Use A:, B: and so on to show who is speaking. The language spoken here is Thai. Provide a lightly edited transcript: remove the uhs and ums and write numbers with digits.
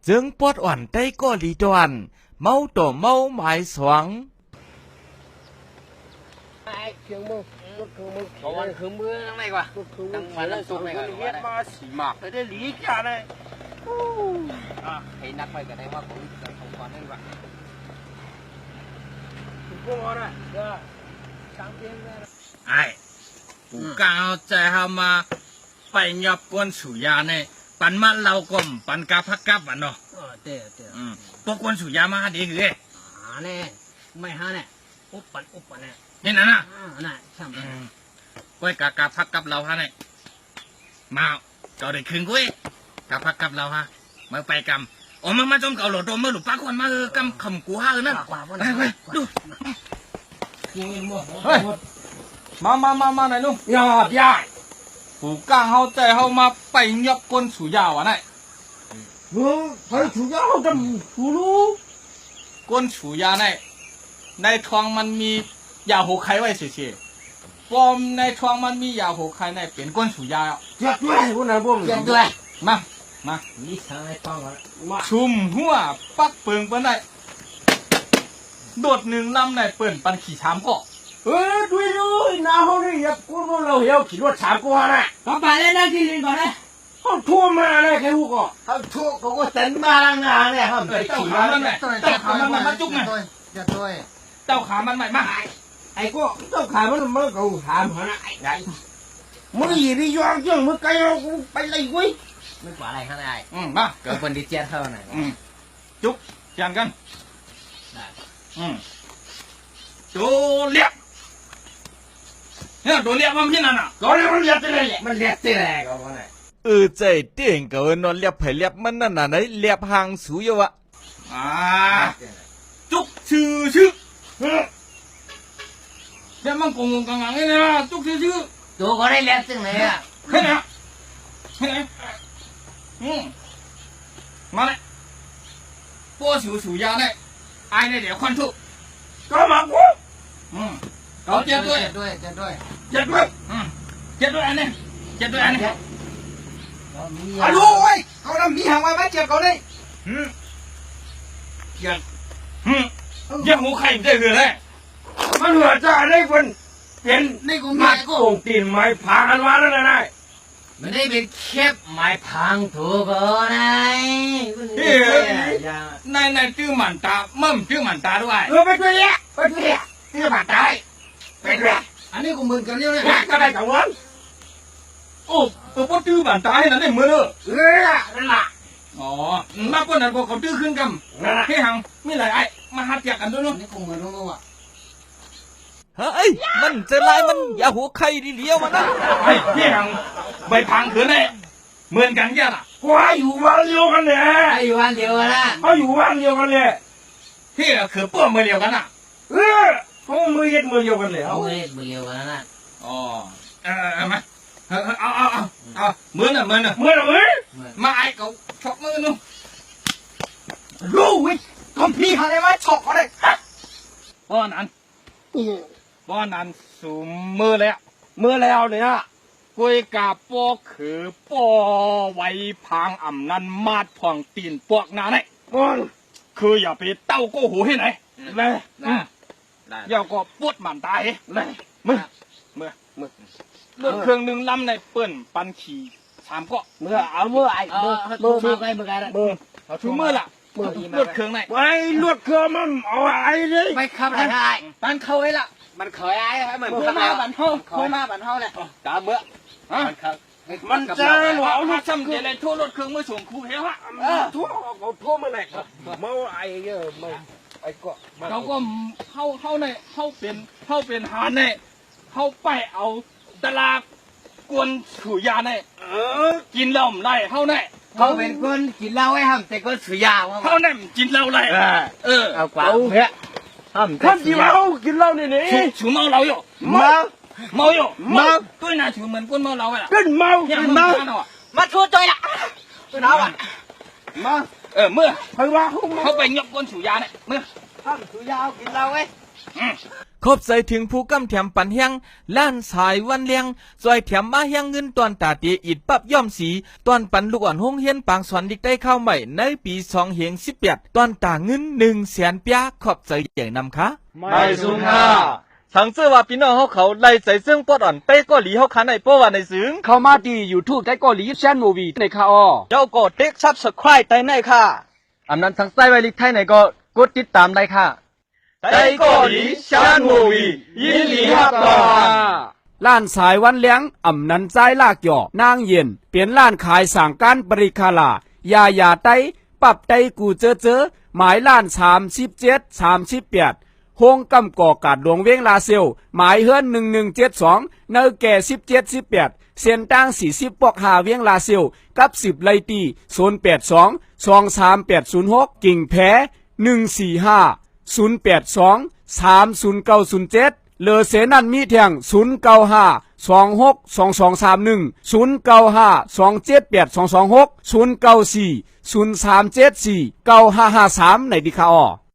A: จึงปวดอ่อนได้ก็ลีดวนเมาต่อเมาหมายสวง
B: 我玩很不那个，当晚上做那个，
C: 你妈洗嘛，在这离家呢。
B: 啊，可以拿回个电话，我们同团那个。
C: 不忙了，是吧？上边的。
A: 哎，กูกาวใจเฮามาไปยอบกวนสุยาเนี่ยปันมาเรากลมปันกาพักกับวันเนาะ
B: 对对。
A: พวกกวนสุยามาดีคือ
B: 呢，ไม่หา呢，อุป呢。
A: นี่นะ
B: น่ะช่าง
A: ก้อยกาพักกับเราฮะเนี่ยมาเก่าได้คืนกุ้ยกาพักกับเราฮะมาไปกำอ๋อมาจมเก่าหลดโดมมาหลุดปากคนมากำคำกูฮะนะไปดูเฮ้ยมาไหนลุงยอดยายกูกางเฮาใจเฮามาไปยอบกวนสุยาวะเนี่ย
C: 还主要这出路。
A: กวนสุยาเนี่ยในท้องมันมียาหัวไข่ไว้เฉยๆปอมในท้องมันมียาหัวไข่ในเป็นกวนสุยา
C: 绝对，我哪不？
B: 绝对。
A: มา
B: 你上来帮我。
A: ชุมหัวปักเปิงเปิ้นได้โดดหนึ่งลำในเปิ้นปันขี่ชามก็
C: 对喽，然后呢也过不了要去做茶锅了，
B: 老板来那给你搞来。
C: 好拖嘛来给我个，
B: 好拖，我真嘛啷个呢？好，
A: เต้าขามันไหมเต้าขามันมาจุกไง
B: 绝对。
A: เต้าขามันใหม่มา
C: 哎哥，都看不那么够谈嘛了，哎，没一的养精，没该要我白来鬼，
B: ไม่กว่าอะไรข้างใน
A: มา
B: เกิดคนที่เจี๊ยบเท่าไหร่
A: จุกจานกันตัวเลียบเนี่ยตัวเลียบมันพี่นั่นน่ะ
C: 搞得我练得来，没练得来，搞我来。
A: ใจเตียงเกินนอนเลียบไผ่เลียบมันนั่นน่ะไหนเลียบหางสูอยู่วะจุกชื่อเนี่ยมันกงกังนี่นะจุกชื่อ
B: ตัวก็ได้เลี้ยงซึ่งเลยอ่ะ
A: แค่นี้มาเลย波手ยาเนี่ยไอ้เนี่ยเดี๋ยวควันทุก
C: 干嘛我？
A: เขาเจ็ดด้วย
B: เจ็ดด้วย
A: เจ็ดด้วยอันนี้
C: 哎呦喂，搞得米行外卖接搞的，
A: ยังหูไข่ได้เลย
C: มันเหลือจ่าได้คนเป็น
B: นี่กู
C: มา
B: แม่กู
C: โกงตีนไม้พากันมาแล้วนะนาย
B: มันได้เป็นแคบไม้พังถูกก็นาย
A: นายชื่อหมันตามั่มชื่อหมันตาด้วย
C: ไปด้วยเนี่ยที่ผ่านตายไปด้วย
B: อันนี้กูมึนกันเรื่องนี้
C: ก็ได้กับวัน
A: โอ้พวกชื่อหมันตาให้นั่นได้เหมือน
C: นั่นแหละ
A: อ๋อมากกว่านั้นพวกเขาชื่อขึ้นกันให้หังไม่ไรไอ้มาหัดจากกันด้วยเนาะ
B: นี่กูมึนรู้อ่ะ
A: เฮ้ยมันจะไล่มันอย่าหัวไข่ดีเลี้ยวมันนะไอ้พี่หังใบพังขืนไอ้เหมือนกันยังอ่ะ
C: ว่าอยู่วันเดียวกันเลย
B: อยู่วันเดียวนะ
C: เขาอยู่วันเดียวกันเลย
A: พี่คือป้วมือเดียวกันอ่ะ
C: เขามือเย็ดมือเดียวกันเลย
B: เอาเลยมือเดียวกันนะ
A: อ๋อมาเอาเหมือนอ่ะมาไอ้เขาชกมือนู้
C: รู้วิก็พี่เขาได้ไหมฉกเขาได้
A: ป้อนนั้นสูงมือเลยอ่ะ
C: มือแล้วเนี่ย
A: กุยกาปอคือปอไว้พังอ่ำนั้นมาดผ่องตีนปวกนาไหนคืออย่าไปเต้าโก้หูให้ไหนเลยอย่าก็ปวดหมันตายเลยมือเลือกเครื่องหนึ่งลำในเปิ้นปันขี่สามก็
C: มือเอามือไอ้
B: มือ
A: เอาชูมือล่ะเลือกเครื่องไหน
C: ไว้ลวดเครื่องมันเอาไอ้เลย
B: ไม่ขับได้
A: ปันเข้าไว้ละ
B: มันเคยไอ้เหมือน
A: เคยมาบันเท่าแหละ
B: ตาเบื่อ
C: มันจะหวาน
A: ถ้าซ้ำเดี๋ยวเลยทั่วรถเครื่องมือส่งครูเหี้ยวะ
C: ทั่วเขาทั่วมาไหนเมาไอ้เยอะไม่ไอ้ก็
A: เขาก็เข้าในเข้าเป็นหาในเข้าไปเอาตลาดกวนฉุยาในกินเหล้าไรเข้าใน
B: เขาเป็นคนกินเหล้าไอ้ห้ามแต่คนสุยาว่า
A: เข้าในกินเหล้าไร
B: เอากว่าเพื่อห้าม
C: ท่านที่เมากินเหล้าเนี่ยนี่
A: ฉุเมาเราอยู่เมาอยู่ด้วยนะฉุเหมือนคนเมาเราไงล่ะ
C: เป็นเมา
B: มาชูตัวละตัวน้าอ่ะ
C: มา
A: เมื่อ
C: ใครว่า
A: เขาไปยกกวนฉุยาเนี่ยเมื่อ
B: ห้ามสุยากินเหล้าไอ้
D: ขอบใจถึงผู้กำแถมปันเฮียงล้านสายวันเลียงซอยแถมมาเฮียงเงินตอนตาเตียอิดปับย่อมสีตอนปันลูกอ่อนห้องเฮียนปางสอนดิกได้เข้าใหม่ในปี2018ตอนตาเงิน100,000 เปียขอบใจอย่างนำค่ะ
A: ไม่ซุงค่ะทั้งเสื้อว่าพี่น้องเขาไล่ใส่ซึ่งปอดอ่อนเป้ก็หลีเขาคันในป้อว่าในซึ้ง
B: เข้ามาดีอยู่ทูบได้ก็หลีแชนมูวีในค่ะอ้อ
A: เจ้าก็เด็กซับสไครต์ได้ในค่ะอันนั้นทั้งไส้ไวลิกไทยไหนก็กดติดตามได้ค่ะได้ก็หลีแชนมูวียินดีครับก่อน
E: ล้านสายวันเลี้ยงอ่ำนันใจลากหยอนางเย็นเปลี่ยนล้านขายสั่งการบริคาลายาไตปรับไตกูเจอหมายล้าน3738โฮงกำก่อกาดหลวงเวงลาเซลหมายเฮือน1172เนอแก่1718เส้นตั้ง40ปอกหาเวียงลาเซลกับ10ไลตี082 23806กิ่งแพ้145 082 30907เลอเสนันมีแทง095 262231 095 278 226 094 0374 9553ในดิคาออ